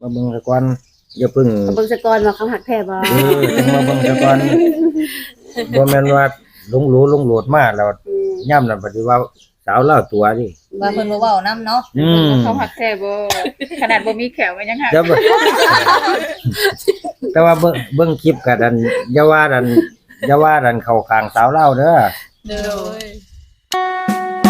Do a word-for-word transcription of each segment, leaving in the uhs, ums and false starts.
มาเบิ่งซะก่อนอย่าเพิ่งเบิ่งซะก่อนว่าเขาหักแท้บ่เออมาเบิ่งซะก่อนบ่แม่นว่าลงหลูลงโหลดมาแล้วย่ำนั่นปฏิว่าสาวลาวตัวดิว่าเพิ่นบ่เว้านำเนาะเขาหักแท้บ่ขนาดบ่มีแขวมันยังหักแต่ว่าเบิ่งเบิ่งคลิปก็ดันอย่าว่าดันอย่าว่าดันเข้าข้างสาวลาวเด้อเด้อ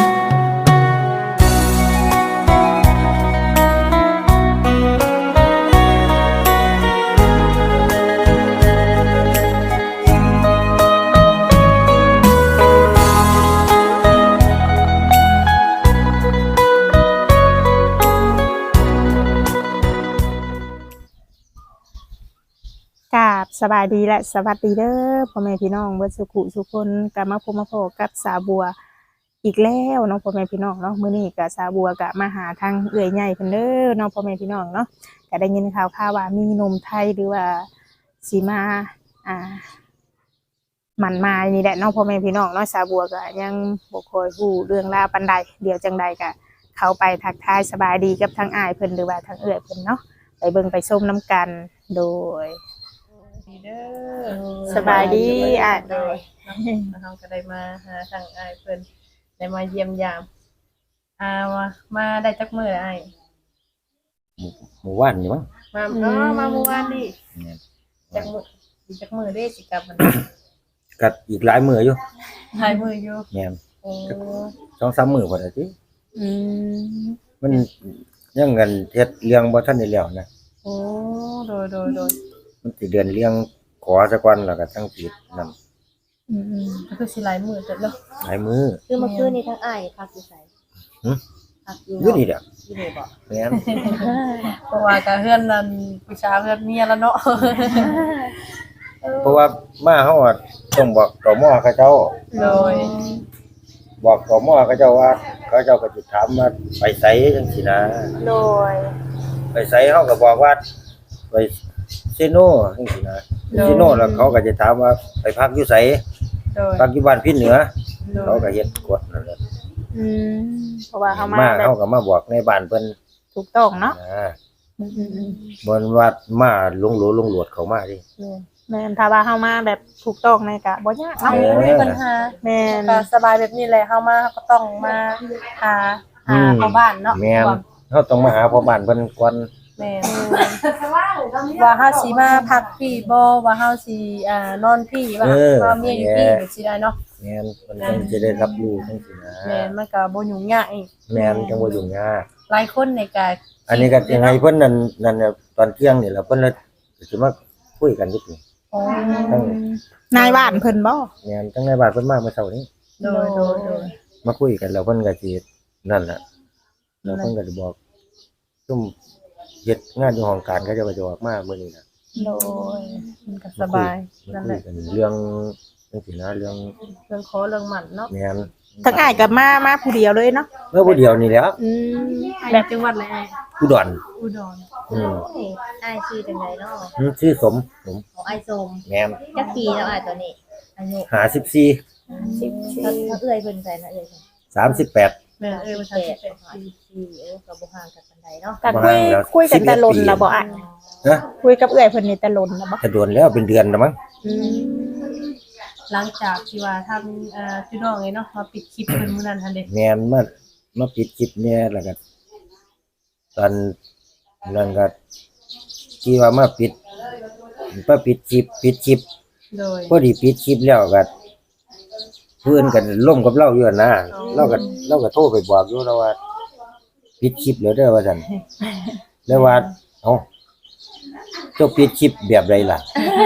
กราบสบายดีและสวัสดีเด้อพ่อแม่พี่น้องเบิดสุขุสุคนกลับมาพบมาพบกับสาบัวอีกแล้วเนาะพ่อแม่พี่น้องเนาะมื้อนี้ก็สาบัวก็มาหาทางเอื้อยใหญ่เพิ่นเด้อเนาะพ่อแม่พี่น้องเนาะก็ได้ยินข่าวๆว่ามีหนุ่มไทยหรือว่าสิมาอ่าหมั่นมายนี่แหละเนาะพ่อแม่พี่น้องเนาะสาบัวก็ยังบ่ค่อยฮู้เรื่องราวปานใดเดี๋ยวจังใดก็เข้าไปทักทายสบายดีกับทางอ้ายเพิ่นหรือว่าทางเอื้อยเพิ่นเนาะไปเบิ่งไปชมนํกันโดยเด้อสบายดีอ่ะโดยเฮาก็ได้มาหาทางอ้ายเพิ่นได้มาเยี่ยมยามอ่ามามาได้จักมื้ออ้ายหมู่วานนี่มั้งมาอ๋อมาเมื่อวานนี่จักมื้ออีกจักมื้อเด้สิกลับมันก็อีกหลายมื้ออยู่หลายมื้ออยู่แม่นโอ้สองสามมื้อพุ่นน่ะติอืมมันยังกันเฮ็ดเรื่องบ่ทันได้แล้วนะโอ้โดยโดยโดยมันสิเดือนเลี้ยงขอซะก่อนแล้วก็จังสินำอืมๆก็คือสิหลายมื้อจัดเนาะหลายมื้อคือเมื่อคืนนี้ทั้งอ้ายพักอยู่ไสหึพักอยู่อยู่นี่แหละอยู่นี่บ่แม่นเพราะว่าก็เฮือนนั่นผู้ชายเฮือนเมียแล้วเนาะเพราะว่ามาเฮาอะต้องบอกตมเขาเจ้าโดยบอกตมเขาเจ้าว่าเขาเจ้าก็สิถามว่าไปไสจังซี่นะโดยไปไสเฮาก็บอกว่าไปเซโนจังซี่นะเซโนแล้วเขาก็จะถามว่าไปพักอยู่ไสโดยพักอยู่บ้านพี่เหนือเขาก็เฮ็ดกฎนั่นแหละอืมเพราะว่าเฮามามาแบบเฮาก็มาบอกในบ้านเพิ่นถูกต้องเนาะอ่าอืมๆบ่ว่ามาลงโหลลงโหลดเข้ามาดิๆแม่นถ้าว่าเฮามาแบบถูกต้องนี่ก็บ่ยากเนาะไม่มีปัญหาแม่นก็สบายแบบนี้แหละเฮามาก็ต้องมาหาหาพ่อบ้านเนาะแม่นเฮาต้องมาหาพ่อบ้านเพิ่นก่อนแม่นว่าเฮาสิมาพักพี่บ่ว่าเฮาสิอ่านอนพี่ว่าเฮาเมียอยู่พี่สิได้เนาะแม่นเพิ่นจังสิได้รับรู้จังซี่นะแม่นมันก็บ่ยุ่งยากอีกแม่นจังบ่ยุ่งยากหลายคนนี่ก็อันนี้ก็ยังไงเพิ่นนั่นนั่นน่ะตอนเที่ยงนี่แหละเพิ่นเลยสิมาคุยกันอยู่นี่อ๋อนายบ้านเพิ่นบ่แม่นจังในบ้านเพิ่นมาเมื่อเช้านี้โดยโดยโดยมาคุยกันแล้วเพิ่นก็สินั่นแหละแล้วเพิ่นก็สิบอกซุ่มเฮ็ดงานอยู่ห้องการเขาจะก็จะออกมามื้อนี้น่ะโดยมันก็สบายนั่นแหละเรื่องจังซี่นะเรื่องเรื่องขอเรื่องหมั่นเนาะแม่นทั้งอ้ายก็มามาผู้เดียวเลยเนาะเมื่อผู้เดียวนี่แหละอืมแบบจังหวัดอะไรอ้ายอุดรอุดรอืมอ้ายชื่อจังไดเนาะอืมชื่อสมผมของอ้ายสมแม่นจักปีแล้วอ้ายตอนนี้อายุห้าสิบสี่สิบสี่ถ้าเอื้อยเพิ่นใส่นะเอื้อยสามสิบแปดแม่เอ้ยว่าสามสิบแปดสี่เออก็บ่ห่างกันปานใดเนาะก็คุยคุยกันแต่ลนแล้วบ่อ่ะฮะคุยกับเอื้อยเพิ่นนี่แต่ลนแล้วบ่แต่โดนแล้วเป็นเดือนแล้วมั้งอืมหลังจากที่ว่าทำเอ่อพี่น้องไงเนาะมาปิดคลิปเพิ่นมื้อนั้นหั่นเด้แม่นมามาปิดคลิปเนี่ยแล้วก็ตอนนั้นก็ที่ว่ามาปิดมาปิดคลิปปิดคลิปโดยพอดีปิดคลิปแล้วก็เพื่อนกันล่มกับเราอยู่นะเราก็เราก็โทรไปบอกอยู่แล้วว่าปิดคลิปแล้วเด้อว่าซั่นแล้วว่าเอ้าเจ้าปิดคลิปแบบใดล่ะ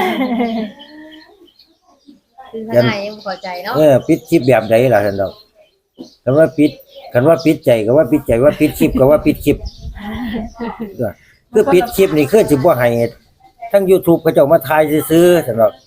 คือทางอ้ายยังบ่เข้าใจเนาะเออปิดคลิปแบบใดล่ะซั่นดอกคันว่าปิดคันว่าปิดใจก็ว่าปิดใจว่าปิดคลิปก็ว่าปิดคลิปคือปิดคลิปนี่คือสิบ่ให้ทั้ง YouTube เขาเจ้ามาถ่ายซื่อๆซั่นดอก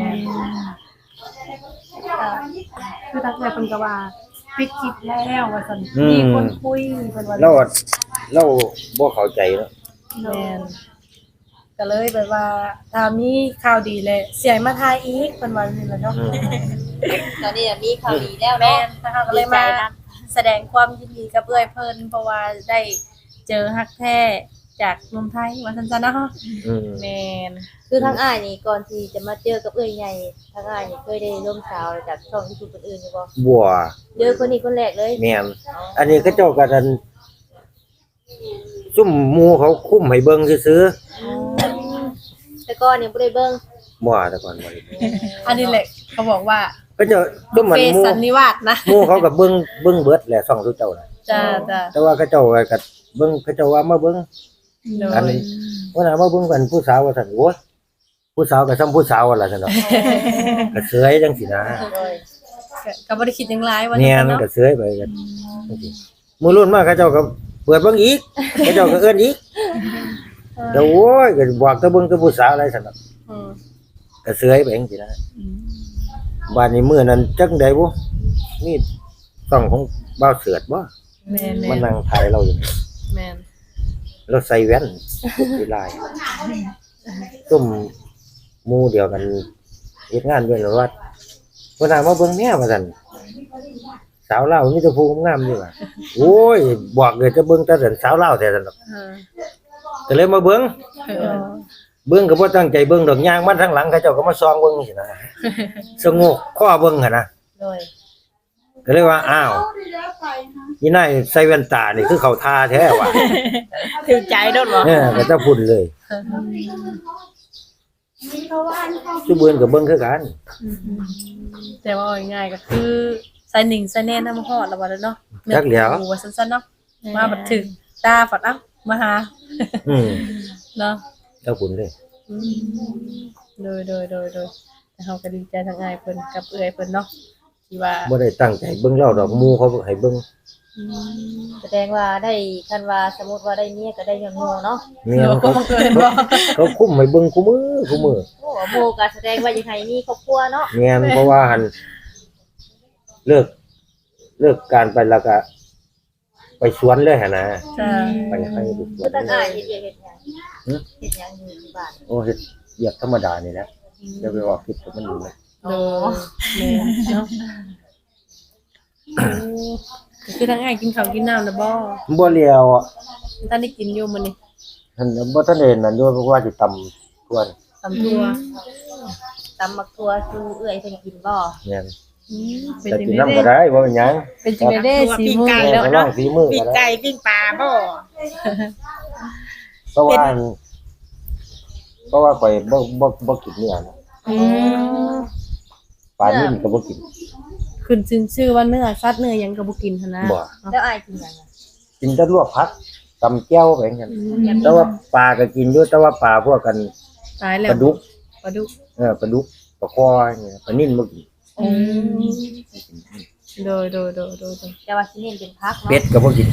คือทางเพิ่นก็ว่าปิดคลิปแล้วว่าซั่นมีคนคุยเพิ่นว่าเราเราบ่เข้าใจเนาะแม่นก็เลยแบบว่าถ้ามีข่าวดีเลยเสียมาถ่ายอีกเพิ่นว่านี่แหละเนาะตอนนี้มีข่าวดีแล้วแม่เนาะนนะคะก็เลยมาแสดงความยินดีกับเอื้อยเพิ่นเพราะว่าได้เจอฮักแท้จากเมืองไทยว่าซั่นๆเนาะอืมแม่นคือทางอ้ายนี่ก่อนที่จะมาเจอกับเอ้ยใหญ่ทางอ้ายนี่เคยได้ร่วมสาวจากช่อง YouTube คนอื่นอยู่บ่บัวเจอคนนี้คนแรกเลยแม่นอันนี้เขาเจ้าก็ดันซุ่มหมู่เขาคุ้มให้เบิ่งซื่อแต่ก่อนนี่บ่ได้เบิ่งๆบ่แต่ก่อนบ่ได้อันนี้แหละเขาบอกว่าก็เจ้าซุ่มมันเฟหมู่สันนิวาสนะหมู่เขาก็เบิ่งเบิ่งเบิดแหละช่องทุกเจ้าน่ะจ้าจ้าแต่ว่าเขาเจ้าก็เบิ่งเขาเจ้าว่ามาเบิ่งโดอันยนี้ว่าน่ะมาเบิ่งกันผู้สาวว่าซั่นโอ้ยผู้สาวก็ซ้ำผู้สาวนั่นล่ะซั่นเนาะก็เสยจังซี่นะโดยก็ก็บ่ได้คิดหยังหลายว่าแม่ซั่นนเนาะก็เสยไปกันจังซี่มื้อรุ่นมาเขาเจ้าก็เปิดเบิ่งอีกเขาเจ้าก็เอิ้นอีกเดี๋ยวโอ้ยก็บอกแต่เบิ่งแต่ผู้สาวอะไรซั่นเนาะอืมก็เสยไปจังซี่นะบ้านนี้มื้อนั้นจังได๋บ่มีช่องของบ่าวเสือดบ่แม่นมานั่งถ่ายเราอยู่นี่แม่นเราใส่แว่นอยู่ลายซุ่มหมู่เดียวกันเฮ็ดงานด้วยแล้วว่าเพิ่นน่ะมาเบิ่งแม่ว่าซั่นสาวลาวมีแต่ผู้งามอยู่ว่ะโอ้ยบอกเลยจะเบิ่งแต่ซั่นสาวลาวแท้ซั่นดอกเออก็เลยมาเบิ่งเออเบิ่งก็บ่ตั้งใจเบิ่งดอกย่างมาทางหลังเขาเจ้าก็มาส่องเบิ่งจังซี่นะสงบข้อเบิ่งหั่นนะโดยก็เลยว่าอ้าวนี่นายใส่แว่นตานี่คือเขาทาแท้ว่ะถือใจโดนบ่เออก็จะพูดเลยซุเบิ่นก็เบิ่งคือกันแต่ว่าเอาง่ายๆก็คือใส่หนิงใส่แน่นำฮอดแล้วว่าเนาะจักแล้วโอ้ว่าซั่นๆเนาะมาบัดถึงตาฝัดเอ้ามาหาอืมเนาะเจ้าคุณเลยอืมโดยโดยโดยโดยแต่เฮาก็ดีใจทั้งอ้ายเพิ่นกับเอื้อยเพิ่นเนาะที่ว่าบ่ได้ตั้งใจเบิ่งเล่าดอกหมู่เขาให้เบิ่งอืมแสดงว่าได้คันว่าสมมุติว่าได้เมียก็ได้ย้อนโง่เนาะแม่นเดี๋ยวก็เขาบังเอิญบ่เขาคุมให้เบิ่งคุมือคุมือโอ้โง่ก็แสดงว่ายังไงมีครอบครัวเนาะแม่นเพราะว่าหันเลิกเลิกการไปแล้วก็ไปสวนเลยหั่นนะจ้าไปให้ดูสวคือน ทางอ้ายเฮ็ดเวียกเฮ็ดหยังหึเฮ็ดหยังอยู่ที่บ้านโอ้เฮ็ดเรียกธรรมดานี่แหละจะไปออกคลิปกับมันอยู่เลยโดยแม่นเนาะโอ้ก็คือทั้งอ้ายกินข้าวกินน้ำแล้วบ่บ่เลียวอ่ะท่านได้กินอยู่มื้อนี้ท่านบ่ทันได้นั่นอยู่เพราะว่าสิตำทวนตำทั่วตำมักทั่วสู่เอื้อยเพิ่นกินบ่แม่นอืมเป็นแต่จังกินได๋น้ำเด้ก็ได้บ่เป็นหยังเป็นจังได๋เด้สีมือแม่แล้วก็ลอเนาะงฝีมือปิ้ก็งได้ไก่ปิ้งปลาบ่เพราะว่าเพราะว่าข่อยบ่บ่บ่กินเนื้อนะอืมปลานิ่มก็บ่กินขึ้นชื่อชื่อว่าเนื้อสัตว์เนื้อหยังก็บ่กินหั่นนะบ่แล้วอ้ายกินหยังอะกินแต่ลวกผักตำแก้วไปจังซั่นแต่ว่าปลาก็กินอยู่แต่ว่าปลาพวกกันตายแล้วปลาดุกปลาดุกเออปลาดุกปลาคอเนี่ยปลานิ่มบ่กินอืมโดยโดยโดยโดยโดยแต่ว่าสิเน้นเป็นผักเนาะเป็ดก็บ่กิน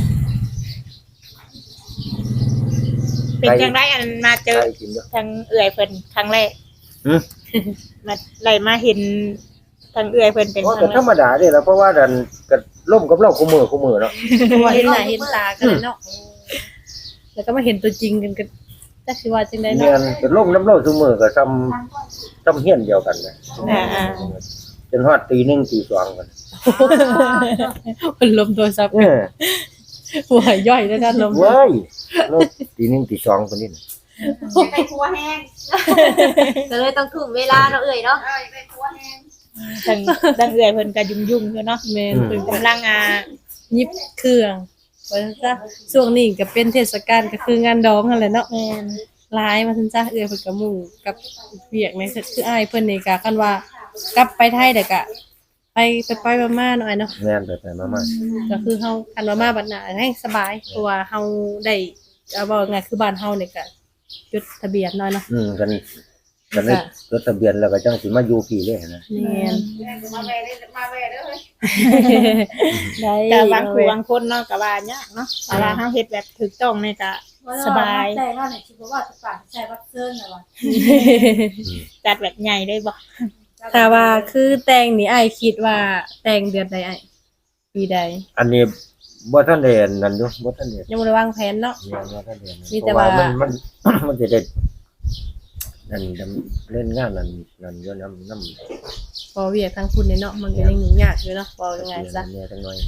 เป็นจังไดอันมาเจอไก่กินเด้อทางเอื้อยเพิ่นครั้งแรกหือมาไล่มาเห็นทางเอื้อยเพิ่นเป็นโอ้คก็รั้งธรรมดาเด้ล่ะเพราะว่าดันก็ล่มกับเราคู่มือคู่มือเนาะเพราะว่าเห็นหน้าเห็นตากันเลยเนาะแล้วก็มาเห็นตัวจริงกันก็จักสิว่าจังได๋แม่เนาะนก็ล่มน้ำเราซุมือก็ซ้ำซ้ำเฮียนเดียวกันนะอ่าจนฮอดตีหนึ่งตีสองกันมันลมโทรศัพท์เออหัวย่อยแล้วนะลมเว้ยแล้วตีหนึ่งตีสองคนนี้น่ะไปครัวแห้งก็เลยต้องทุ่มเวลาเนาะเอ้ยเนาะเอ้ยไปครัวแห้งทางทางเอื้อยเพิ่นก็ยุ่งๆอยู่เนาะแม่นเพิ่นกำลังอ่ายิบเครื่องว่าซั่นซะช่วงนี้ก็เป็นเทศกาลก็คืองานดองนั่นแหละเนาะแม่นหลายมาซั่นซะเอื้อยเพิ่นก็หมู่กับเวียกในคืออ้ายเพิ่นนี่ก็คันว่ากลับไปไทยเด้อก็ไปไปไปมาๆหน่อยเนาะแม่นไปไปมามาก็คือเฮาคันว่ามาบัดหน้าให้สบายเพราะว่าเฮาได้เอาว่าไงคือบ้านเฮานี่ก็จดทะเบียนน้อยเนาะอืมกันกันได้จดทะเบียนแล้วก็จังสิมาอยู่พี่เลยนะแม่นมาแวะเด้อมาแวะเด้อได้ก็บางคู่บางคนเนาะก็ว่ายากเนาะแต่ว่าเฮาเฮ็ดแบบถูกต้องนี่ก็สบายแต่ว่าเนี่ยคิดว่าทุกฝ่ายใช้วัดเซิร์นน่ะว่าจัดแบบใหญ่เลยบ่ถ้าว่าคือแต่งนี่อ้ายคิดว่าแต่งเดือนใดอ้ายปีใดอันนี้บ่ทันได้อันนั่นอยู่บ่ทันได้ยังบ่ได้วางแผนเนาะแม่นบ่ทันได้มีแต่ว่าเพระมันมัน มันจะได้นั่นดำเล่นงานนั่นนั่นอยู่นำนำพอเวียกทางคุณนี่เนาะมันก็ยังยุ่งยากอยู่เนาะว่ายังไงซะเนี่ยจังหน่อย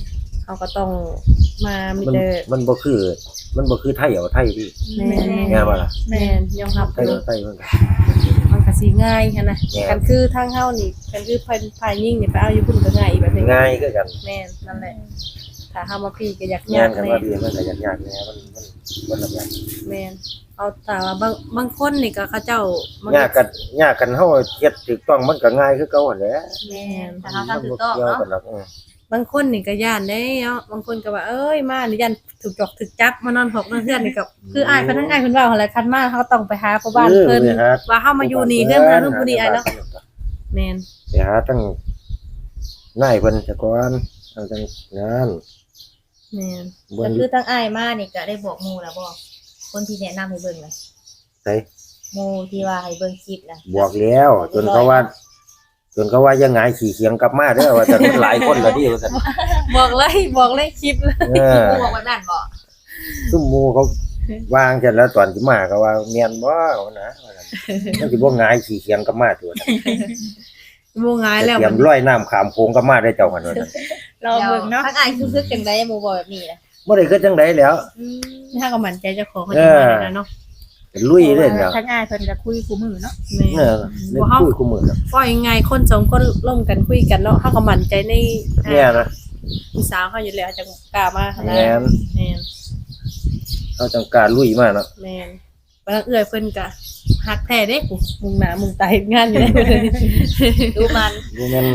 เขาก็ต้องมามีมันแต่มันบ่คือ มันบ่คือไทยเอาไทยพี่แม่นแม่นบ่ล่ะแม่นยอมรับไทยอยู่เอาไทยมันก็มันก็สิง่ายหันนะแม่นกันคือทางเฮานี่กันคือภายภายยิ่งนี่ไปเอาอยู่พุ่นก็ง่ายอีกแบบนึงง่ายคือกันแม่นนั่นแหละถ้าเฮามาพี่ก็อยากงายาน กกันแน่ว่าดีมันก็ยากๆแน่มันมันบ่ละแบบแม่นเอาแต่ว่าบางบางคนนี่ก็เขาเจ้ามันยากกันยากกันเฮาเฮ็ดถูกต้องมันก็ง่ายคือเก่าหั่นแหละแม่นถ้ามัเฮาน ทำถูบ่กต้องเกี่ยวเนาะกันหรอกเออบางคนนี่ก็ย่านได้เนาะบางคนก็ว่าเอ้ยมานี่ยันถูกจอกถูกจับมานอนหกนอนเฮือนนี่ก็คืออายเพิ่นทั้งอายเพิ่นเว้าหั่นแหละคันมาเขาต้องไปหาพ่อบ้านเพิ่นออไปหว่าเฮามาอยู่นี่เฮือนเพิ่นเพิ่นผู้นี้อายเนาะแม่นไปหาตั้งนายเพิ่นซะก่อนเอาจังงานแม่นบ่ก็อคืยู่อตั้งอ้ายมานี่ก็ได้บอกหมู่แล้วบ่คนที่แนะนำให้เบิ่งน่ะไสหมู่ที่ว่าให้เบิ่งคลิปน่ะบอกแล้ว จนเขาว่า จนเขาว่ายังไงขี่เขียงกลับมาเด้อว่าจะมันหลายคนและดิว่าซั่นบอกเลยบอกเลยคลิปเลยเออหมู่บอกว่านั่นบ่ซุ่มหมู่เขาวางจันแล้วตอนสิมาก็ว่าเมียนบ่ว่านะว่าซั่นมันสิบ่หงายขี่เขียงกลับมาตัวนั้นบ่ง่ายจะแล้วเตรียมร้อยน้ำขามโค้งกลับมาได้เจ้ากันว่าซั่นรอเบิ่งเนาะทั้งอ้ายคือคือจังได๋หมู่บอกแบบนี้น่ะบ่ได้คือจังไดแล้วอืมถ้าก็มั่นใจเจ้าของเขาเอจะอมาแล้วเนาะลุยเล่นแล้วทั้งอ้ายเพิ่นก็คุยคู่มือเนาะแม่เออเล่นคุยคู่มือแล้วก็ยังไงคนสองคนร่วมกันคุยกันเนาะเฮาก็มั่นใจในเนี่ยนะผู้สาวเขาอยู่แล้วจังกล้ามาขนาดแม่นแม่นเขาจังการลุยมาเนาะแม่นบางเอื้อยเพิ่นก็ฮักแท้เด้กูมุงหน้ามุงตาเฮ็ดงานอยู่ได้เพิ่นดูมันบ่แม่น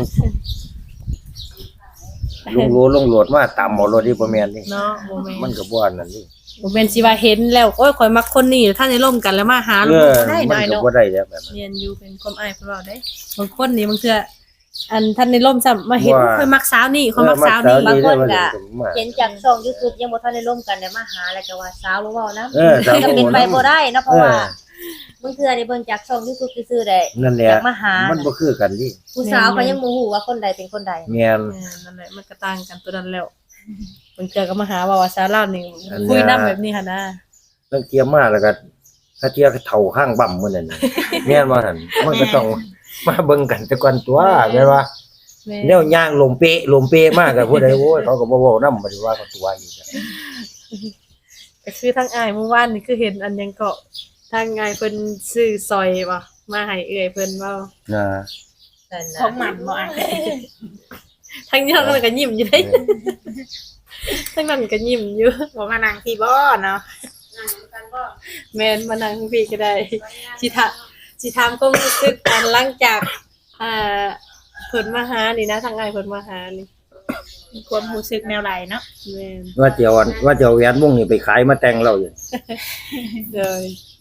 ลงโลลงโหลดมาตามเอารถนี่บ่แม่นนี่เนาะบ่แม่มันนก็บ่อันนั้นนี่บ่แม่นสิว่าเห็นแล้วโอ้ยข่อยมักคนนี้ถ้าได้ร่วมกันแล้วมาหาเอลูกอได้มัหน่อยนก็เนาะบ่ได้แล้วแบบนั้นเรียนอยู่เป็นความอายเพิ่นว่าได้บางคนนี่บางเทื่ออันท่านได้ร่วมซ้ำมาเห็นว่าข่อยมักสาวนี่ข่อยมักสาวนี่เออมักสาวนี่เห็นจากช่อง YouTube ยังบ่ทันได้ร่วมกันได้มาหาแล้วก็ว่าสาวบ่เว้านํเออสาวก็บ่เป็นเว้าไปนำบ่ได้เนาะเพราะว่าเออบางเทื่อได้เบิ่งจากช่อง YouTube ซื่อๆได้นั่นแหอละยากมาหามันบ่คือกันดิผู้สาวก็ยังบ่ฮู้ว่าคนใดเป็นคนใดแม่นเออนั่นแหละมันก็ต่างกันตัวนั้นแล้วบางเทื่อก็มาหาว่าว่าสาวลาวนี่อันเนี้ยคุยนำแบบนี้หั่นนะตั้งเกียมมาแล้วก็ถ้าเทียเฒ่าข้างบ่ำมื้อนั้นน่ะแม่นบ่หั่นมันก็ต้องมาเบิ่งกันแต่ก่อนตัวแม่นว่าแม่แนวย่างลมเปะลมเปะมากก็ผู้ใดโอ้ยเขาก็บ่เว้านำบ่ได้ว่าเขาตัวอีกอะก็คือทั้งอายเมื่อวานนี่คือเห็นอันยังเกาะทางอายเพิ่นซื้อซอยบ่มาให้เอื้อยเพิ่นเว้านะนั่นขอน่ะงมันบ่อ้ายทั้งนี้ทั้งนั้นก็ยิ้มอยู่เด้ทั้งนั้นก็ยิ้มอยู่บ่มานั่งที่บ่เนาะแม่นมานั่งพี่ก็ได้สิถาสิถามความรู้สึกอันหลังจากอ่าเพิ่นมาหานี่นะทางอายเพิ่นมาหานี่มีความรู้สึกแนวใดเนาะแม่นว่าจะเอาอันว่าจะเอาแหวนวงนี้ไปขายมาแต่งเราอยู่เด้อ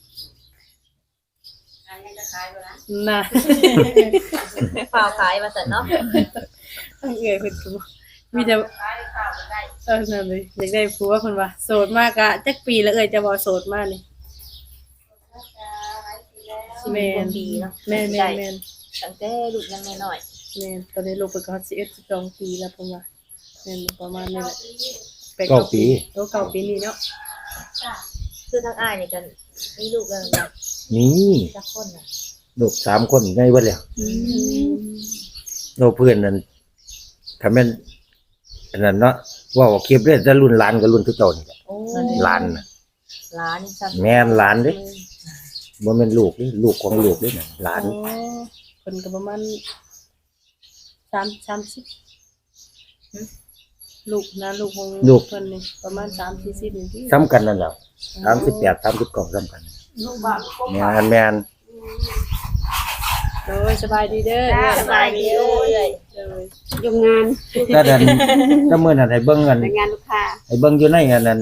น่ะฝ่าวขายมาซั่นเนาะทางเอื้อยเพิ่นก็บอกมีแต่เออนั่นเลยอยากได้ผัวเพิ่นว่าโสดมากอะจักปีแล้วเอ้ยจะบ่โสดมากนี่แม่นปีเนาะแม่นแม่นแม่นตั้งแต่ลูกยังน้อยแม่นตอนนี้ลูกเพิ่นก็สิบเอ็ด สิบสองปีแล้วเพิ่นว่าแม่นประมาณนี้แหละแปดเก้าปีโอ้เก้าปีนี่เนาะๆคือทั้งอ้ายนี่กันมีลูกแล้วนะนี่จักคนน่ะลูกสามคนไงเบิดแล้วอืมโนเพื่อนนั่นถ้าแม่นอันนั้นเนาะว่าว่าคลิปเด้จะรุ่นหลานกับรุ่นทุกเจ้านี่แหละโอ้หลานน่ะหลานนี่ซับแม่นหลานเด้บ่แม่นลูกเด้ลูกของลูกเด้น่ะหลานโอ้เพิ่นก็ประมาณสาม สามสิบลูกนะลูกของเพิ่นนี่ประมาณสาม สี่สิบนี่ที่ซ้ำกันนั่นแหละสามสิบแปด สามสิบเก้าซ้ำกันแม่นแม่นโอ้ยสบายดีเด้อสบายดีเอ้ยเด้อยงงานก็ดันถ้ามื้อนั้นให้เบิ่งกันแต่งงานลูกค้าให้เบิ่งอยู่ในอันนั้น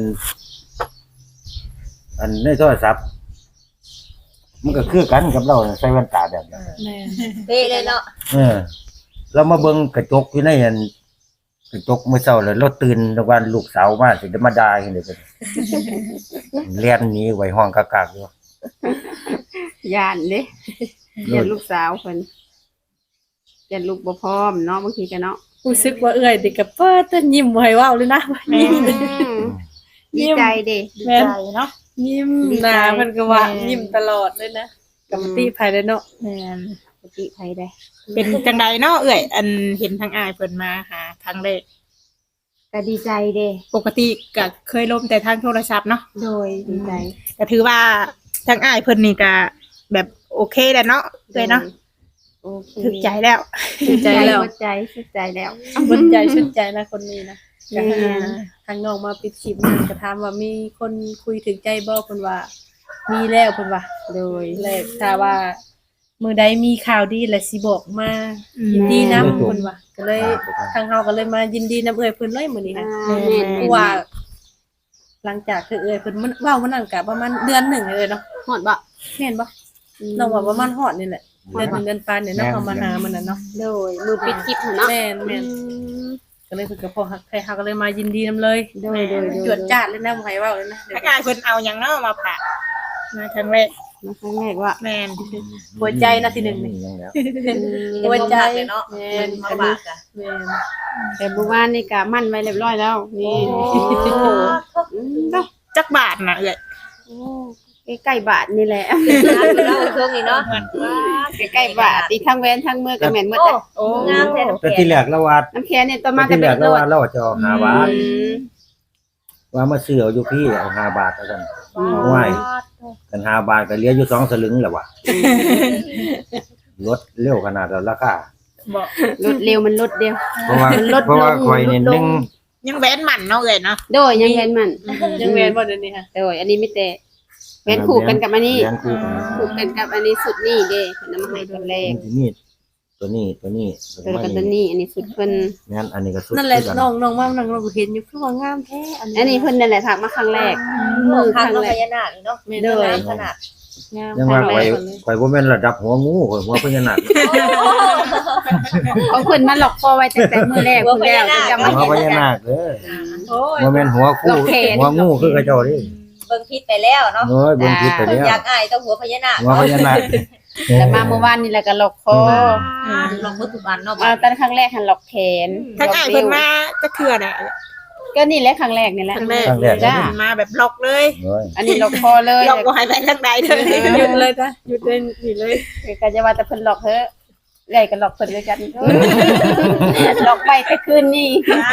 อันในโทรศัพท์มันก็คือกันกับเราน่ะใส่แว่นตาแบบนั้นแม่นเป๊ะเลยเนาะเออเรามาเบิ่งกระจกอยู่ในอันกระจกมื้อเช้าแล้วเราตื่นตะวันลูกสาวมาสิจะมาด่าจังได๋เพิ่นเรียนหนีไว้ห้องกากๆอยู่ย่านเด้ย่านลูกสาวเพิ่นย่านลูกบ่พร้อมเนาะบางทีก็เนาะรู้สึกว่าเอื้อยติก็เปิดแต่ยิ้มบ่ให้เว้าเลยนะแม่ดีใจเด้ดีใจเนาะยิ้มดีใจหน้าเพิ่นก็ว่าแม่ยิ้มตลอดเลยนะกับติภายได้เนาะแม่นปกติไผได้เป็นจังไดเนาะเอ้ยอันเห็นทางอ้ายเพิ่นมาหาครั้งแรกก็ดีใจเด้ปกติก็เคยล้มแต่ทางโทรศัพท์เนาะโดยดีใจก็ถือว่าทางอ้ายเพิ่นนี่ก็แบบโอเคแล้วเนาะเลยเนาะโอเคถึกใจแล้วถึกใจแล้วหัวใจสุดใจแล้วบนใจชุดใจนะคนนี้นะแม่ทางน้องมาปิดคลิปนั่นก็ถามว่ามีคนคุยถึงใจบ่เพิ่นว่า มีแล้วเพิ่นว่าโดยแรกถ้าว่ามื้อใดมีข่าวดีแล้วสิบอกมาอืมยินดีนํเพิ่นว่าก็เลยทางเฮาก็เลยมายินดีนํเอื้อยเพิ่นเลยมื้อนี้อ่าค่ะแม่นเพราะว่า หลังจากที่เอื้อยเพิ่นมันเว้ามันนั่นก็ประมาณเดือนหนึ่งเลยเนาะฮอดบ่แม่นบ่น้องว่าประมาณฮอดนี่แหละเดือนหนึ่งเดือนปานเนี่ยเนาะเขามาหามันน่ะเนาะโดยมือปิดคลิปหั่นเนาะแม่นแม่น ก็เลยเพิ่นก็พอฮักใครฮักก็เลยมายินดีนํเลยโดยโดยโดยจวดจ้าดเลยนะบ่ให้เว้าเลยนะเดี๋ยวทางอ้ายเพิ่นเอาหยังเนาะมาฝากมาครั้งแรกมาครั้งแรกว่าแม่นหัวใจนะทีหนึ่งนี่ยังแล้วหัวใจเลยเนาะแม่เงินนมาบากอ่ะแม่นแต่เมื่อวานนี่ก็มั่นไว้เรียบร้อยแล้วนี่อืมเนาะจักบาทน่ะเอ้ยโอ้ใกล้ๆบาทนี่แหละเล่าช่วงนี้เนาะใกล้ๆบาทอีกทั้งแหวนทั้งมือก็แม่นหมดโอ้อะโอ้งามแท้น้ำแต่แข็ที่งแรกละวัดน้ำแข็งเนี่ยต่อมาแต่ก็ที่แรเป็นกโลละดวัดเราจะเอาห้าบาทอืมว่ามาซื้อเอาอยู่พี่เอาห้าบาทแล้วกันอืมไหวกันห้าบาทก็เหลืออยู่สองสลึงแล้วว่ะลดเร็วขนาดแล้วราคาบ่ลดเร็วมันลดเดียวเพราะว่ามันลดเพราะว่าลงคอยนี่ลดลงหนึ่งยังแหวนหมันเนาะเอ้ยเนาะโดยยังแหวนมันยังแม่นบ่เดี๋ยวนี้ค่ะโดยอันนี้ไม่แต่แหวนคู่กันกับอันนี้แหวนคู่กันคู่กันกับอันนี้สุดนี่เด้เพิ่นเอามาให้ตัวแรกที่นี่ตัวนี้ตัวนี้ตัวกันตัวนี้ อันนี้สุดเพิ่นงั้นอันนี้ก็สุดนั่นแหละคือกัน้องน้องมานั่งเราก็เห็นอยู่คือว่างามแท้อันนี้อันนี้เพิ่นนั่นแหละถักมาครั้งแรกมืมืออคัคกรั้งเนาะแรพกญานาคเนาะเด้อขนาดงามยังว่าครั้งข่อยแรกข่อยบ่แม่นระดับหัวงูข่อยหัวพญานาคของเพิ่นมาหลอกคอไว้ตั้งแต่มื้อแรกเพิ่นแล้วจะมาหัวเห็นพญากันนาคเด้อโอ้ยบ่แม่นหัวคู่หลอกแขนหัวงูคือกระเจ้าเดิเบิ่งพิษไปแล้วเนาะโอ้ยเบิ่งผิดไปแล้วอยากอายต้องหัวพญานาคหัวพญานาคแต่มาเมื่อวานนี่แหละก็หลอกคอลองมือทุกอันเนาะมาตอนครั้งแรกหันหลอกแขนทางอ้ายเพิ่นมาจักเทื่อน่ะก็นี่แหละครั้งแรกนี่แหละครั้งแรกครั้งแรกจ้ามาแบบล็อกเลยโอ้ยอันนี้หลอกคอเลยล็อกบ่ให้ไปทางใดเลยหยุดเลยจ้ะหยุดเลยนี่เลยก็จะว่าแต่เพิ่นหลอกเถอะใหญ่ก็หลอกเพิ่นด้วยกันหลอกไปแต่คืนนี้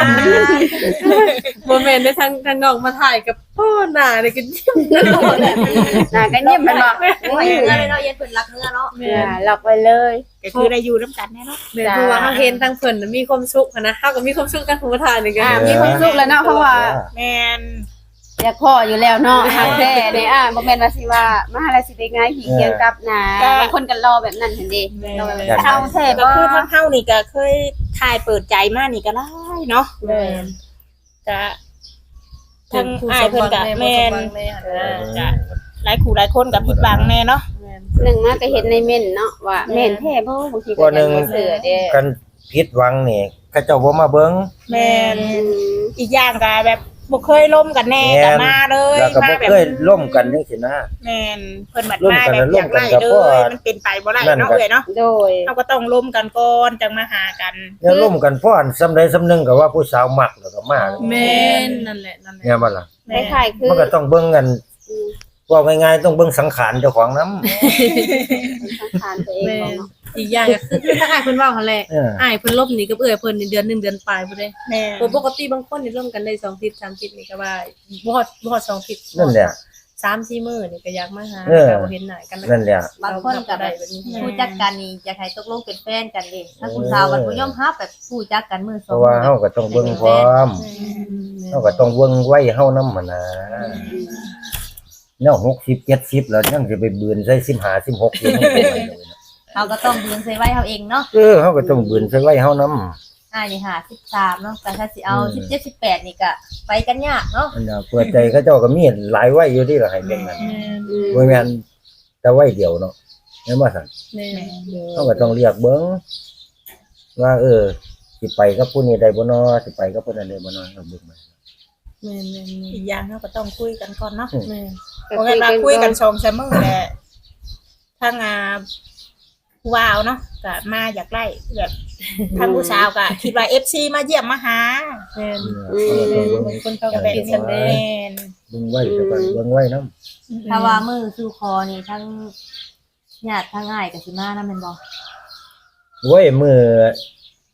บ่แม่นได้ทางทางน้องมาถ่ายกับพ่อหน้านี่ก็ยิ้มตลอดน่ะก็เงียบมันบอกโอ้ยเนื้อเลยเนาะเย็นเพิ่นรักเนื้อเนาะแม่อ่าหลอกไปเลยก็คือได้อยู่นํกันแน่เนาะแม่นเพราะว่าเฮาเห็นทางเพิ่นน่ะมีความสุขอะนะเฮาก็มีความสุขกันผู้มาถ่ายนี่ก็อ่ามีความสุขแล้วเนาะเพราะว่าแม่นอยากพ่ออยู่แล้วเนาะหักแท้เนี่ยอ่ะบ่แม่นว่าสิว่ามาหาอะไรสิได้ง่ายขี่เคียงกับนะบางคนก็รอแบบนั้นเห็นดิรอแบบนั้นเฮาแท้ก็บ่คือทางเฮานี่ก็เคยถ่ายเปิดใจมานี่ก็ได้เนาะแม่นก็ทางอ้ายเพิ่นก็แม่นแม่นเออก็หลายคู่หลายคนก็ผิดหวังแน่เนาะแม่นหนึ่งมาก็เห็นในเม่นเนาะว่าแม่นแท้บ่บางทีก็ก็หนึ่งบ่เสือเด้กันผิดหวังนี่เขาเจ้าบ่มาเบิ่งแม่นอืมอีกอย่างก็แบบบ่เคยล่มกันแน่แม่นก็มาเลยแล้วก็มาบ่แบบเคยร่วมกันจังซี่นะแม่นเพิ่นบัดร่วมมากันแบบร่อวมยากกันไล่กับเลพวกยมันเป็นไปบ่ได้นั่นเนาะก็เอ้ยเนาะโดยเฮาก็ต้องล่มกันก่อนจังมาหากันเนี่ยร่วมกันฟ้อนสำใดสำหนึงก็ว่าผู้สาวมักแล้วก็มาแม่นนั่นแหละนั่นแหละเนี่ยบ่ล่ะแม่คล้ายๆคือมันก็ต้องเบิ่งกันอืมว่าง่ายๆต้องเบิ่งสังขารเจ้าของนำสังขารตัวเองแม่บ่นเนาะอีกอย่างก็คือคือถ้าอ้ายเพิ่นเว้าหั่นแหละเอออ้ายเพิ่นลบหนีกับเอื้อยเพิ่นนี่เดือนหนึ่งเดือนปลายพุ่นเด้แม่โดยปกติบางคนนี่ร่วมกันได้สองอาทิตย์สามอาทิตย์นี่ก็ว่าบ่ฮอดบ่ฮอดสองอาทิตย์นั่นแหละสามสี่มื้อนี่ก็อยากมาหาเออแต่บ่เห็นหน้ากันนั่นแหละบางคนก็แบบผู้จักกันนี่อยากให้ตกลงเป็นแฟนกันเด้ถ้าผู้สาวกันบ่ยอมรับแบบผู้จักกันมือสเพองราะว่าเฮาก็ต้องเบิ่งพร้อมเฮาก็ต้องเบิ่งไว้เฮานำหั่นน่ะแนวหกสิบ เจ็ดสิบแล้วยังสิไปบืนใส่สิบห้า สิบหกอยู่เฮาก็ต้องบืนใส่ไว้เฮาเองเนาะเออเฮาก็ต้องบืนใส่ไว้เฮานำอ้ายนี่ห้าสิบสามเนาะแต่ถ้าสิเอาสิบเจ็ด สิบแปดนี่ก็ไปกันยากเนาะอันน่ะเปิดใจเขาเจ้าก็มีหลายไว้อยู่ที่ล่ะให้เบิ่งนั่นอืมบ่แม่นแต่ไว้เดียวเนาะแม่นบ่ซั่นแม่นเฮาก็ต้องเรียกเบิ่งว่าเออสิไปกับผู้นี้ได้บ่เนาะสิไปกับผู้นั้นได้บ่เนาะเอาเบิ่งมาแม่นแม่นอีกอย่างเฮาก็ต้องคุยกันก่อนเนาะแม่นเพราะงั้นเราคุยกันสองสามมื้อแหละทางอ่าผู้ว่าวเนาะก็มาอยากไล่แบบทางผู้สาวก็คิดว่า เอฟ ซี มาเยี่ยมมาหาแม่นเออเฮาก็ต้องเบิ่งบางคนเขาก็ก็แบบคิดนี้ซั่นเด้แม่นเบิ่งไว้แต่ก็เบิ่งไว้นำถ้าว่ามือสู่คอนี่ทั้งญาติทั้งอ้ายก็สิมานํแม่นบ่โว้ยมื้อ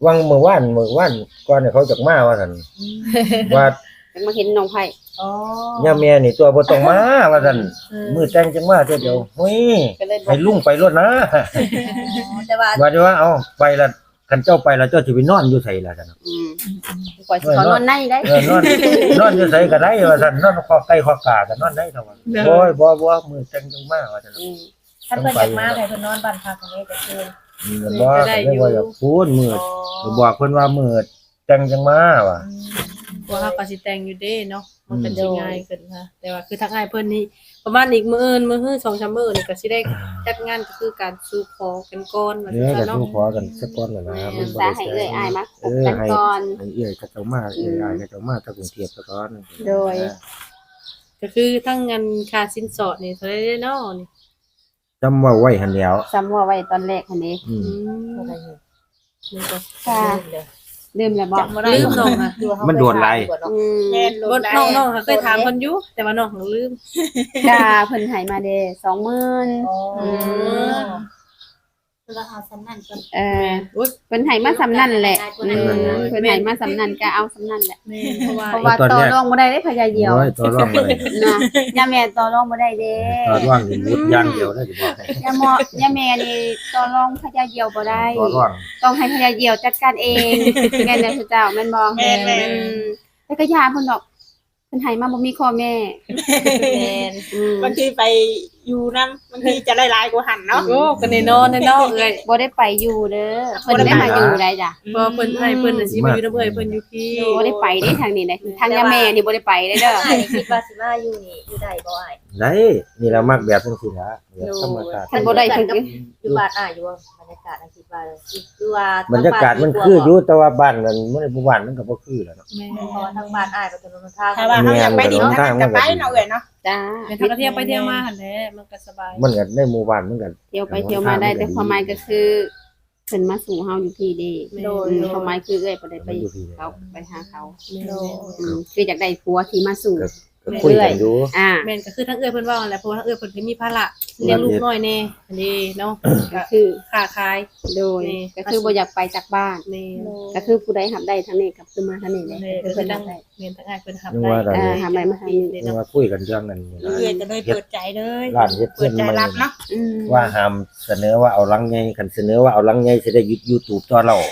วังเมื่อวานเมื่อวานก่อนเนี่ยเขาจักมาว่าซั่นว่าจังมาเห็นน้องไผอ๋อย่าแม่นี่ตัวบ่ต้องมาว่าซั่นมื้อแต่งจังมาเทื่อเดียวเฮ้ยก็เลยบอให้กลุงไปรถนะแต่ว่าว่าจะว่าเอ้าไปละคันเจ้าไปละเจ้าสิไปนอนอยู่ไสล่ะซั่นอืมปล่อยสิเขานอนในได้เออนอนนอนอยู่ไสก็ได้ว่าซั่นนอนคอไก่คอกาก็นอนได้เท่าว่าโอ้ยบ่บ่มื้อแต่งจังมาว่าซั่นอืมถ้าเพิ่นอยากมาให้เพิ่นนอนบ้านพักตรงนี้ก็คืออืมบ่ก็เลยว่าอยากพูดมื้อก็บอกเพิ่นว่ามื้อแต่งจังมาว่ะว่าเฮาก็สิแต่งอยู่เด้เนาะมันก็สิง่ายขึ้นค่ะแต่ว่าคือทางอ้ายเพิ่นนี่ประมาณอีกมื้ออื่นมื้อฮื้อสองสามมื้อนี่ก็สิได้จัดงานก็คือการสู่ขอกันก่อนว่าเดี๋ยวซั่ก็นเนาะสู้ขอกันสักก่อนน่ะนะมันบ่สาได้ให้แซ่เอ้ยอายมาพเอบ อกันให้ก่อนให้เอ้ยเขาเจ้ามาเอ้ยอายเขาเจ้ามาตะกรุงเทพซะก่อนโดยก็คือทั้งเงินค่าสินสอดนี่เท่าไหร่เด้เนาะนี่จำว่าไว้หั่นแหล้วซ้ำว่าไว้ตอนแรกหั่นนี้อือืมมนี่ก็ค่ะ ลืมแล้วบ่จำบ่ได้ลืมน้องค่ะมันโดนไรอืมแม่นบ่น้องน้องค่ะเคยถามเพิ่นอยู่แต่ว่าน้องของลืมกาเพิ่นให้มาเด้สองหมื่นอ๋อราคาสำนันก่อนเอออุ๊ยเพิ่นให้มาสำนั่นแหละอืมเพิ่นให้มาสำนั่นก็เอาสำนั่นแหละแม่นเพราะว่าเพราะว่าต่อรองบ่ได้เด้พญาเหี่ยวโอ้ยตัวร่องเลยนะย่าแม่ต่อรองบ่ได้เด้ตัวร่องนี่มุดอย่างเดียวได้สิบอกให้ย่าหมอย่าแม่นี่ต่อรองพญาเหี่ยวบ่ได้ตัวร่องต้องให้พญาเหี่ยวจัดการเองแม่นแล้วเจ้าแม่นบ่แม่นแม่นอืมแต่ก็ยาเพิ่นดอกเพิ่นให้มาบ่มีข้อแม่แม่นอืมบางทีไปอยู่นำบางทีจะหลายๆกว่าหันเนาะโอ้ก็แน่นอนแน่นอนเอ้ยบ่ได้ไปอยู่เด้อเพิ่นได้มาอยู่ได้จ้ะบ่เพิ่นให้เพิ่นน่ะสิมาอยู่นำเอ้ยเพิ่นอยู่พี่บ่ได้ไปเด้ทางนี้เด้ทางย่าแม่นี่บ่ได้ไปเด้อเด้ออ้ายคิดว่าสิมาอยู่นี่อยู่ได้บ่อ้ายได้นี่เรามักแบบจังซี่นะแบบธรรมชาติคันบ่ได้เพิ่นก็อยู่บ้านอ้ายอยู่ว่าบรรยากาศอันคิดว่าคือว่าบรรยากาศมันคืออยู่แต่ว่าบ้านนั้นมันบ่บ้านมันก็บ่คือแหล้วเนาะแม่เพราะว่าทางบ้านอ้ายก็จะเป็นทางถ้าว่าเขาอยากไปดินทางนั้นก็ไปเนาะเอ้ยเนาะจ้าแม่นทางก็เที่ยวไปเที่ยวมาหั่นแหละมันก็สบายมันก็ในหมู่บ้านมันก็เที่ยวไปเที่ยวมาได้แต่ความหมายก็คือเพิ่นมาสู่เฮาอยู่พี่เด้โดยอืมความหมายคือเอ้ยบ่ได้ไปมันอยู่ที่เขาไปหาเขาแม่นอืมคืออยากได้ผัวที่มาสู่ก็คุยกันอยู่อ่าแม่นก็คือทั้งเอ้ยเพิ่นว่าหั่นแหละเพราะว่าทั้งเอ้ยเพิ่นก็มีภาระเลี้ยงลูกน้อยแน่อันนี้เนาะก็คือค้าขายโดยนี่ก็คือบ่อยากไปจากบ้านแม่นก็คือผู้ใดหับได้ทางนี้กับคือมาทางนี้เลยแม่นคือเพิ่เพิ่นนทั้หังบได้แม่นทั้งอ้ายเพิ่นหับนึกได้ว่าได้เออหับได้มาทางนี้เลยนึกเนาะว่าคุยกันเรื่องนั้นนี่ล่ะเอ้ยก็เลยเปิดใจเลยร้านเฮ็ดเปิเพิ่ดนใจมันรับเนาะอืมว่าห้ามเสนอว่าเอาลังใหญ่คันเสนอว่าเอาลังใหญ่สิได้ยุด YouTube ตัวเรา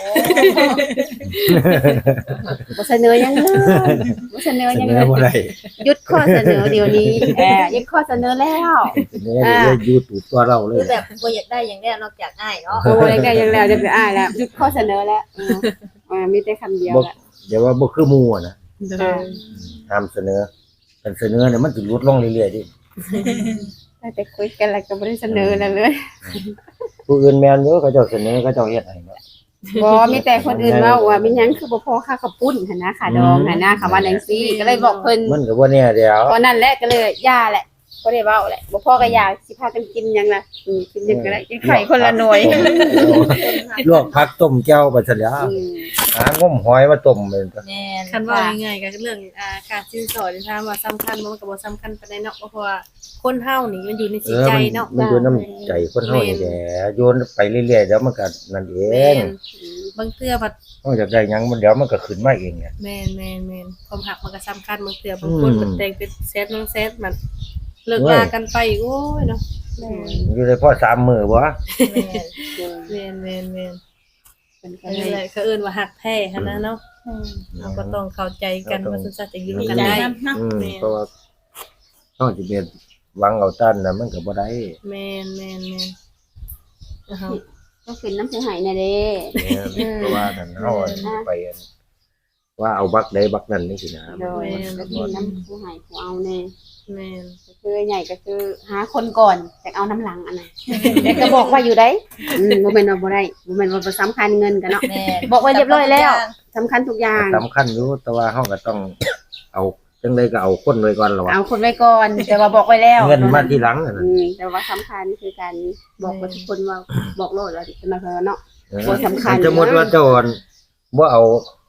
บ่เสนอหยังเลยบ่เสนอเสหยังนเลอย บ่ได้หยุดข้อเสนอเดี๋ยวนี้เออหยุดข้อเสนอแล้วเสนอได้ YouTube ตัวเราเลคืยอแบบบ่อยากได้อย่างแรกนอกจากอ้ายเนาะโอ้ยก็ยังแล้วจะไปอ่านแล้วหยุดข้อเสนอแล้วเออเออมีแต่คำเดียวบ่ละเดี๋ยวว่าบ่คือหมู่อะนะเด้อ่าอห้ามเสนอคันเสนอเนี่ยมันสิลดลงเรื่อยๆดิแต่คุยกันแล้วก็บ่ได้เสนอนั่นเลยผู้อื่นแม่นอยู่เขาเจ้าเสนอเขาเจ้าเฮ็ดให้เนาะบ่มีแต่คนอื่นเว้าว่าเป็นหยังคือบ่พอค่าข้าวปุ้นหั่นนะค่าดองหั่นนะคำว่าจังซี่ก็เลยบอกเพิ่นมันก็บ่แน่เดียวตอนนั้นแหละก็เลยย่าแหละบ่ได้เว้าแหละบ่พอก็อยากสิพากันกินหยังล่ะอืมกินหยังก็ได้กินไข่คนละหน่วยลวกผักต้มแจ่วไปซะแล้วอืมหางมหอยมาต้มเป็นตัวแม่นคันว่าง่ายๆก็เรื่องอ่าค่าสินสอดนี่ถามว่าสำคัญบ่มันก็บ่สำคัญปานใดเนาะเพราะว่าคนเฮานี่มันอยู่ในเอจิตอใจมันเนาะมันอยู่น้ำใจคนเฮานี่แหละโยนไปเรื่อยๆเดี๋ยวมันก็นั่นเอแม่งนบางเทื่อบัดเฮาอยากได้หยังมันเดี๋ยวมันก็ขึ้นมาเองเนี่ยแม่นแม่นแม่นความหักมันก็สำคัญบางเทื่อบางคนอืมเพิ่นแต่งเป็นแซดน้องแซดมันเลิกลากันไปอีกโอ้ยเนาะอยู่ได้พอสามมื้อบ่แม่นแม่นแม่นแม่นเพิ่นก็อันเลนี้ยแหละเขาเอิ้นว่าหักแท้หั่นนะเนาะเราก็ต้องเข้าใจกันว่าสุดท้ายจะอยู่ดีกันใจได้นำเนาะอืมเพราะว่าเฮาสิเป็นหวังเอาตันน่ะมันก็บ่ได้แม่นแม่นแม่นอ่าฮะก็ขึ้นน้ำเสียหายน่ะเด้เนี่ยเพราะว่านั่นเฮาไปอันว่าเอาบักใดบักนั้นนี่สินะโดยก็ขึ้นน้ำเสียหายผู้เอาแน่แม่นก็คือใหญ่ก็คือหาคนก่อนแต่เอาน้ำหลังอันนั้นแต่ก็บอกว่าอยู่ได้อืมบ่แม่นว่าบ่ได้บ่แม่นว่าบ่สำคัญเงินกันเนาะแม่นบอกไว้เรียบร้อยแล้ว สำคัญทุกอย่างสำคัญอยู่แต่ว่าเฮาก็ต้องเอาจังได๋ก็เอาคนไว้ก่อนล่ะวะเอาคนไว้ก่อน แต่ว่าบอกไว้แล้วเงินมาทีหลังน่ะอืมแต่ว่าสำคัญคือการบอกกับทุกคนว่าบอกโลดว่าจะมาเพิ่นเนาะเออบ่สำคัญสมมุติว่าเจ้าบ่เอา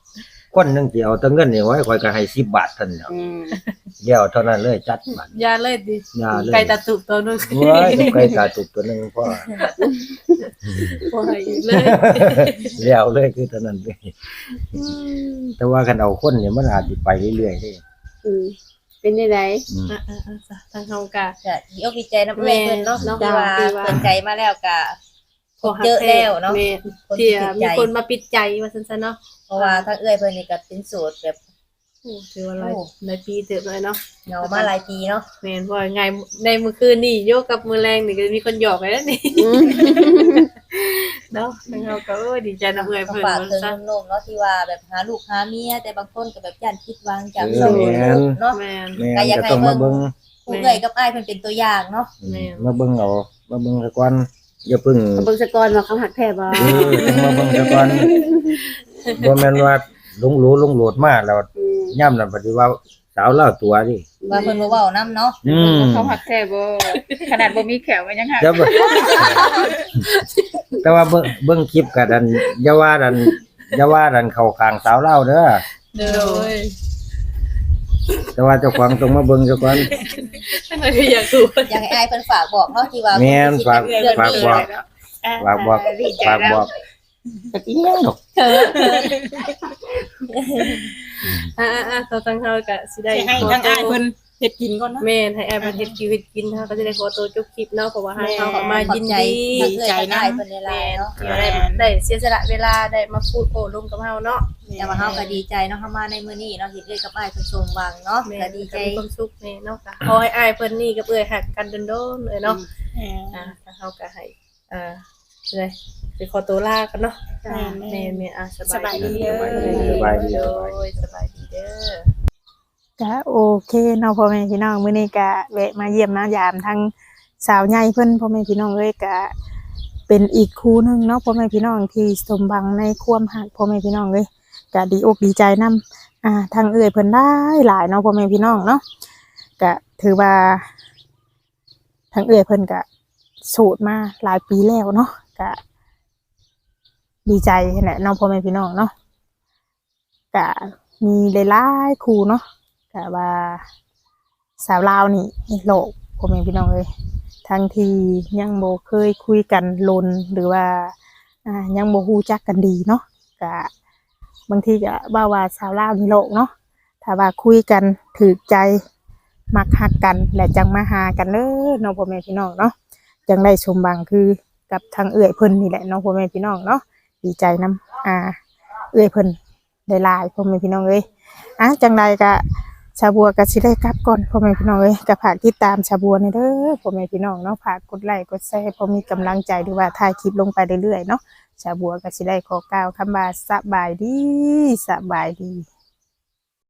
คนหนึงสิเอาแต่เงินนี่ไว้ข่อยก็ให้สิบบาทเท่านั้นแหล้วอืมเดียวเท่านั้นเลยจัดบัตรยาเลยดิยาเลยไก่ตาตุกตัวนึงเว้ยไก่ตาตุกตัวหนึงพ่อบ่ให้อีกเลยแล้วเลยคือเท่านั้นเลยแต่ว่าคันเอาคนเนี่ยมันอาจสิไปเรื่อยๆเด้อืมเป็นได้ไดอืมอ่ะๆๆจ้ะทางเฮากะก็ดีอกดีใจนำเอื้อยเพิ่นเนาะแม่ที่ว่าที่ว่าเปิดใจมาแล้วก็พอเจอแล้วเนาะแม่คนที่ที่ติดมีใจคนมาปิดใจว่าซั่นๆเนาะเพราะว่าถ้าเอื้อยเพิ่นนี่ก็เป็นโสดแบบโอ้ถือว่าหลายหลายปีเติบเลยเนาะเหงามาหลายปีเนาะแม่นว่าไงในมื้อคืนนี่โยกกับมื้อแรงนี่ก็มีคนหยอกไว้แล้วนี่ เนาะทางเฮาก็เอ้ยดีใจนํเอื้อยก็เพิ่นฝากว่าถึงซั่นหนุ่มๆเนาะที่ว่าแบบหาลูกหาเมียแต่บางคนก็แบบย่านผิดหวังจากเออช่องแม่น YouTube เนาะแม่นแม่นก็ต้องมาเบิ่งผู้เอื้อยกับอ้ายเพิ่นเป็นตัวอย่างเนาะแม่นมาเบิ่งเอามาเบิ่งซะก่อนอย่าเพิ่งเบิ่งสะกอนว่าเขาหักแท้บ่เออมาเบิ่งซะก่อนบ่แม่นว่าลงหลูลงโหลดมาแล้วอืมย่ำนั่นปฏิว่าสาวเล่าตัวดิว่าเพิ่นบ่เว้านํเนาะอืมเขาหักแท้บ่ขนาดบ่มีแขวมันยังหักแต่ว่าแต่ว่าเบิ่งเบิ่งคลิปก็ดันอย่าว่าดันอย่าว่าดันเข้าข้างสาวเล่าเด้อเด้อแต่ว่าเจ้าของต้องมาเบิ่งซะก่อนทางนั้นก็อยากรู้อยากให้อ้ายเพิ่นฝากบอกเนาะที่ว่าแม่นฝากเรื่องฝากนี้บอกอ่ะฝากบอกดีใจฝากแล้วบอกก็อีหยังดอกอ่าๆๆทางเฮาก็สิได้สิให้ทางอ้ายเพิ่นเฮ็ดกินก่อนเนาะแม่นให้แอร์มาเฮ็ดชีวิตกินเฮาก็จะได้ขอตัวจบคลิปเนาะเพราะว่าให้เฮาก็มาขอบยินใจดีทางเอื้อยกับอ้ายเพิ่นในไลแม่น์นเนาะที่ว่าได้ได้เสียสละเวลาได้มาพูดโอ้ร่วมกับเฮาเนาะแต่ว่าเฮาก็ดีใจเนาะเฮามาในมื้อนี้เนาะที่เอื้อยกับอ้ายเพิ่นสมหวังเนาะแม่ก็นดีใจมีความสุขแม่เนาะก็ขอให้อ้ายเพิ่นนี่กับเอ้ยฮักกันโดนๆเลยเนาะอ่าทางเฮาก็ให้อ่าเลยไปขอตัวลากันเนาะแม่นแม่นแม่อ่ะสสบาบาย ยดีดีเด้อสบายดีโดยสบายดีเด้อก็โอเคเนาะพ่อแม่พี่น้องมื้อนี้ก็แวะมาเยี่ยมมายามทั้งสาวใหญ่เพิ่นพ่อแม่พี่น้องเอ้ยก็เป็นอีกคู่หนึงเนาะพ่อแม่พี่น้องที่สมหวังในความรักพ่อแม่พี่น้องเอ้ยก็ดีอกดีใจนำอ่าทางเอ้ยเพิ่นได้หลายเนาะพ่อแม่พี่น้องเนาะก็ถือว่าทางเอ้ยเพิ่นก็โสดมาหลายปีแล้วเนาะก็ดีใจแหละเนาะพ่อแม่พี่น้องเนาะก็มีหลายๆคู่เนาะ ก็ว่าสาวลาวนี่โลกพ่อแม่พี่น้องเอ้ยทั้งที่ยังบ่เคยคุยกันลนหรือว่าอ่ายังบ่ฮู้จักกันดีเนาะก็บางทีก็ว่าว่าสาวลาวนี่โลกเนาะถ้าว่าคุยกันถูกใจมักฮักกันและจังมาหากันเด้อเนาะพ่อแม่พี่น้องเนาะจังได้สมบังคือกับทางเอื้อยเพิ่นนี่แหละเนาะพ่อแม่พี่น้องเนาะดีใจนํอ่าเอื้อยเพิ่นได้หลายพ่อแม่พี่น้องเอ้ยอ่ะจังใดก็ชาบัวก็สิได้กลับก่อนพ่อแม่พี่น้องเอ้ยก็ฝากติดตามชาบัวนี่เด้อพ่อแม่พี่น้องเนาะฝากกดไลค์กดแชร์พอมีกำลังใจหรือว่าถ่ายคลิปลงไปเรื่อยๆเนาะชาบัวก็สิได้ขอกล่าวคำว่าสบายดีสบายดี